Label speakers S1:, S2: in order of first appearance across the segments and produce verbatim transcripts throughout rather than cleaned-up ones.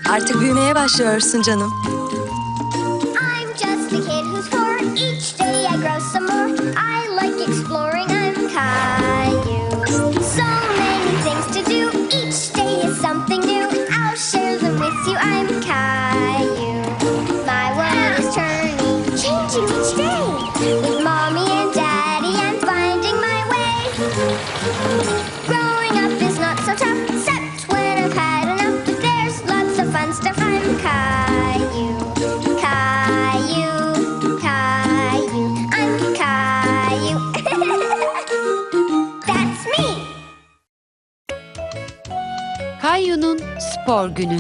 S1: Artık büyümeye başlıyorsun canım.
S2: I'm just a kid who's four. Each day I grow some more. I like exploring. I'm Caillou. So many things to do. Each day is something new. I'll share them with you. I'm Caillou. My world is turning, changing each day. With mommy and daddy, I'm finding my way. Growing up is not so tough, except when I've had enough. But there's lots of fun stuff. I'm Caillou. Caillou, Caillou, I'm Caillou. That's me.
S3: Caillou'nun spor günü.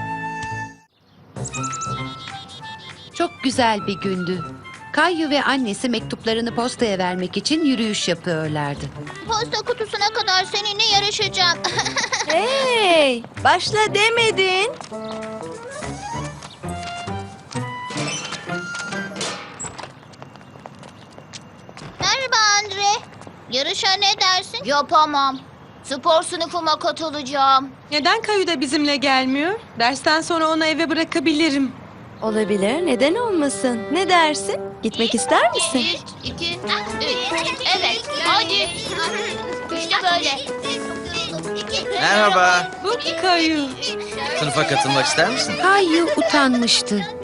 S3: Çok güzel bir gündü. Caillou ve annesi mektuplarını postaya vermek için yürüyüş yapıyorlardı.
S4: Posta kutusuna kadar seninle yarışacağım.
S1: Hey, başla demedin.
S4: Merhaba Andre. Yarışa ne dersin? Yapamam. Spor sınıfıma katılacağım.
S5: Neden Kayu da bizimle gelmiyor? Dersten sonra onu eve bırakabilirim.
S1: Olabilir, neden olmasın? Ne dersin? Gitmek ister misin?
S4: Bir, iki, üç. Evet, hadi. İşte böyle.
S6: Merhaba.
S5: Bu Kayu.
S6: Sınıfa katılmak ister misin?
S3: Caillou utanmıştı
S4: Ee,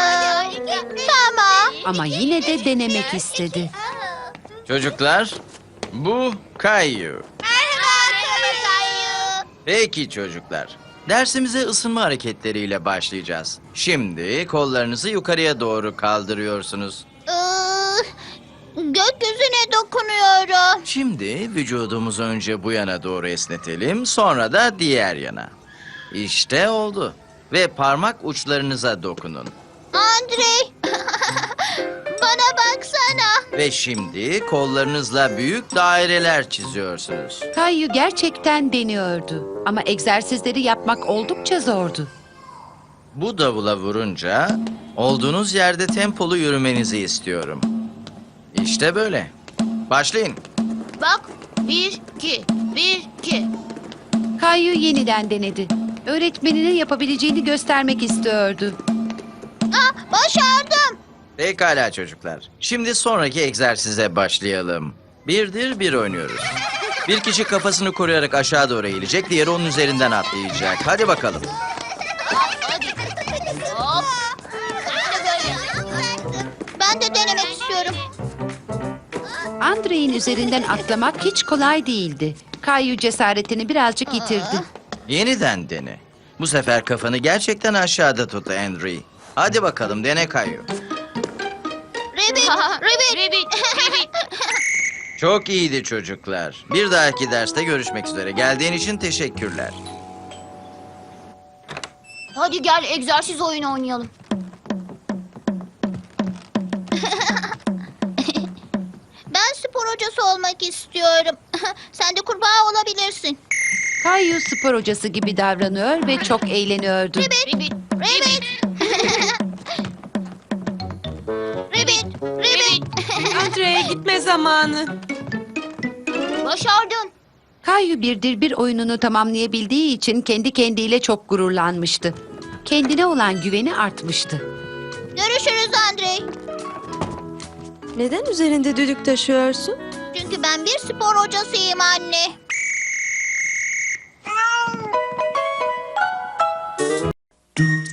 S4: tamam.
S3: ama yine de denemek istedi.
S6: Çocuklar, bu Caillou.
S4: Merhaba Kayu.
S6: Peki çocuklar. Dersimize ısınma hareketleriyle başlayacağız. Şimdi kollarınızı yukarıya doğru kaldırıyorsunuz.
S4: Ee, gökyüzüne dokunuyorum.
S6: Şimdi vücudumuzu önce bu yana doğru esnetelim, sonra da diğer yana. İşte oldu. Ve parmak uçlarınıza dokunun.
S4: Andre. Bana baksana.
S6: Ve şimdi kollarınızla büyük daireler çiziyorsunuz.
S3: Caillou gerçekten deniyordu ama egzersizleri yapmak oldukça zordu.
S6: Bu davula vurunca olduğunuz yerde tempolu yürümenizi istiyorum. İşte böyle. Başlayın.
S4: Bak. Bir, iki. Bir, iki.
S3: Caillou yeniden denedi. Öğretmenine yapabileceğini göstermek istiyordu.
S4: Ah, başardım.
S6: Pekala çocuklar. Şimdi sonraki egzersize başlayalım. Birdir bir oynuyoruz. Bir kişi kafasını koruyarak aşağı doğru eğilecek, diğeri onun üzerinden atlayacak. Hadi bakalım.
S4: Hadi. Hop. İşte böyle. Ben de denemek istiyorum.
S3: Andrei'nin üzerinden atlamak hiç kolay değildi. Caillou cesaretini birazcık yitirdi.
S6: Yeniden dene. Bu sefer kafanı gerçekten aşağıda tut Henry. Hadi bakalım dene Caillou.
S4: Ribbit, ribbit, ribbit, ribbit.
S6: Çok iyiydi çocuklar. Bir dahaki derste görüşmek üzere. Geldiğin için teşekkürler.
S4: Hadi gel egzersiz oyunu oynayalım. Ben spor hocası olmak istiyorum. Sen de kurbağa olabilirsin.
S3: Caillou spor hocası gibi davranıyor ve çok eğleniyordu.
S4: Ribbit, ribbit, ribbit. Ribbit, ribbit.
S5: Andre'ye gitme zamanı.
S4: Başardın.
S3: Caillou birdir bir oyununu tamamlayabildiği için kendi kendiyle çok gururlanmıştı. Kendine olan güveni artmıştı.
S4: Görüşürüz Andrei.
S1: Neden üzerinde düdük taşıyorsun?
S4: Çünkü ben bir spor hocasıyım anne.
S7: do